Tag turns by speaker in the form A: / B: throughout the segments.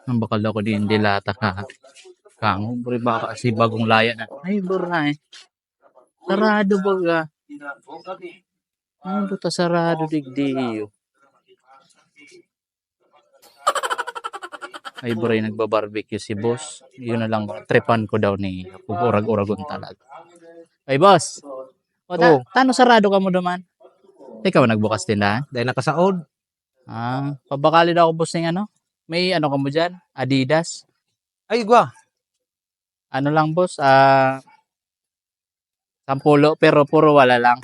A: Ang bakal ako din dilata ka. Kang, bro, baka kasi bagong laya na. Ay, bro, eh. Sarado baga. Ang buta sarado digdiyo. Ay, bro, nagbabarbecue si boss. Yun na lang, tripan ko daw ni urag-uragon talaga. Ay, boss. O,
B: Oh.
A: tano sarado ka mo duman? Ikaw nagbukas tindahan?
B: Dahil nakasaod.
A: Pabakali daw ako boss ng ano? May ano ka mo dyan? Adidas?
B: Ay, gwa.
A: Ano lang boss? 10 pero puro wala lang.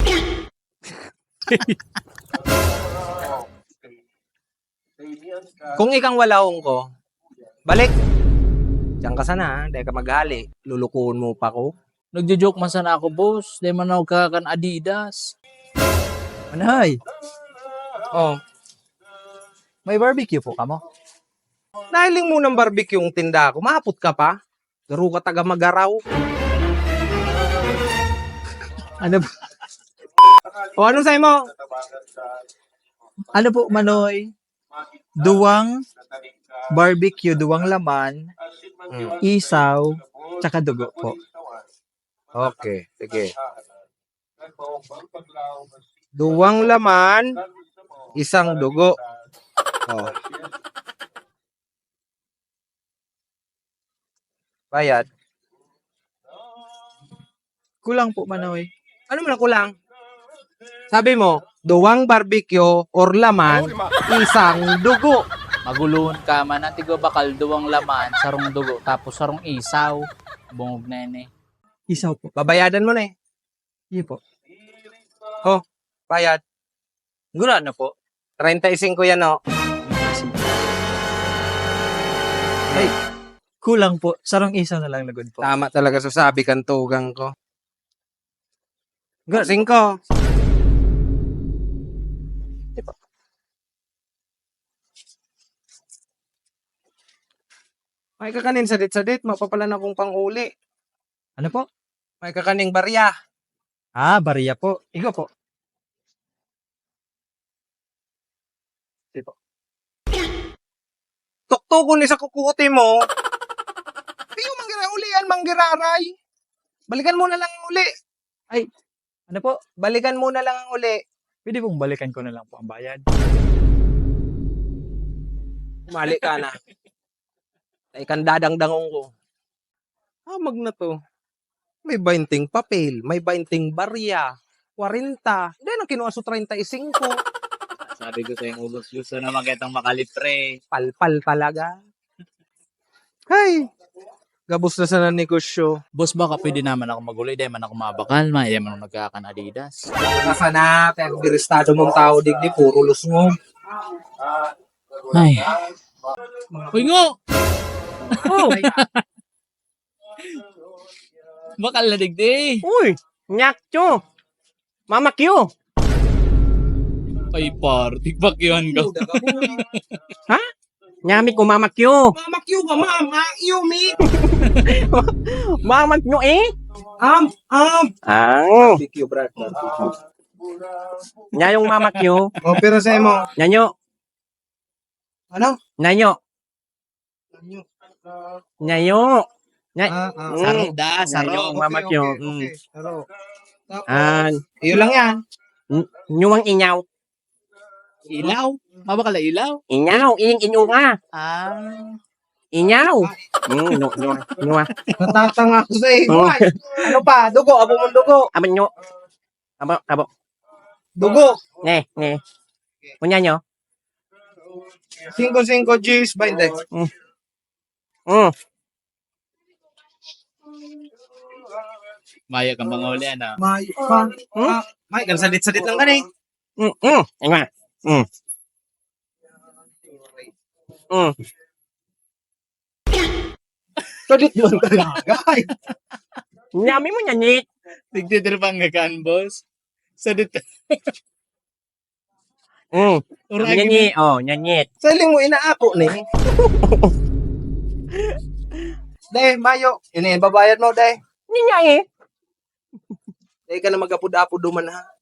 B: Kung ikang walahong ko, balik. Diyan ka sana, dahil ka maghali. Lulukuhon mo pa ko.
A: Nagjo-joke man sana ako boss. Di man ako kakan Adidas.
C: Manay,
B: Oh,
C: may barbecue po ka mo?
B: nahiling mo ng barbecue yung tinda ko. Maapot ka pa. Garo ka taga magaraw.
C: Ano po,
B: O, anong sa'yo mo?
C: ano po Manoy? Duwang barbecue, duwang laman, isaw, tsaka dugo po.
B: Okay, sige. Duwang laman, isang dugo. Oh. Bayad.
C: Kulang po Manoy.
B: Ano man ang kulang? Sabi mo, duwang barbecue or laman, isang dugo.
A: Maguluhon ka man. Antigo bakal duwang laman, sarong dugo, tapos sarong isaw. Bungog na yun eh.
C: Isaw po.
B: Babayadan mo na eh.
C: Hindi po.
B: Bayad.
A: Gura na po.
B: 35 yan, no?
C: Kulang po. Sarong isaw na lang lagod po.
B: Tama talaga sasabi kang tugang ko. Good, 5. May kakanin sadit-sadit, mapapalan akong panghuli.
C: Ano po?
B: May kakaning barya.
C: Bariya po. Igo po.
B: Tukto ni sa kukuti mo. Ayaw mangira ulian, manggiraray. Balikan mo na lang ang uli.
C: Ano po?
B: Balikan mo na lang ang uli.
C: Pwede pong balikan ko na lang po ang bayad.
B: Umali ka na. Ay kan dadang-dangong ko. Mag na to. May 20 papel, may 20 barya, 40. Hindi nang kinuha so 35.
A: Sabi ko sa yung ubos gusto na magkitang makalitre.
B: Palpal talaga. Hay! Gabos na sa negosyo.
A: Boss, baka pwede naman ako maguloy. Dahil man ako mabakal. Maya man ako nagkakan Adidas.
B: Nasa na, pero biristado mong tao digdi, puro lusngong.
A: Ay. Uy ngo!
B: Oh,
A: Bakal na digdi.
B: uy, nyakcho. Mama Q.
A: Ay, party. Bakyuhan ko.
B: Ha? Nyami ko Mama Q. Mama Q ka, Mama Q, me. Mama Q eh? Barbecue, brad. Nya yung Mama Q. O, pero sa'yo mo. Nyanyo. Ano? Nyanyo. Nyanyo.
A: Saro da, saro.
B: Yung Mama Q.
C: Saro.
B: Iyo lang yan. Nyuwang inyaw.
A: Ilaw? Mabakal na ilaw?
B: Inyaw. Inyaw nga. Inyaw. Nyuwa.
C: Natatanga ako sa iyo.
B: Oh.
C: Ano pa? Dugo. Abo mong dugo.
B: Abo nyo. Abo.
C: Dugo.
B: Ne. Kunya nyo.
C: 5-5 G's 20.
A: Maya kang mga uli, ano?
C: May pa.
B: May, kan sadit-sadit lang ka eh. Nga.
C: Sadit mo talaga.
B: Nyami mo nyanyit.
A: Tigtitirpang gakan, boss. Sa dito.
B: Nyanyi. Nyanyit.
C: Saling mo inaako ni. Dahil, Mayo. Babayad mo, dahil.
B: Nyanyay.
C: Dahil ka na mag-apod-apod duman ha.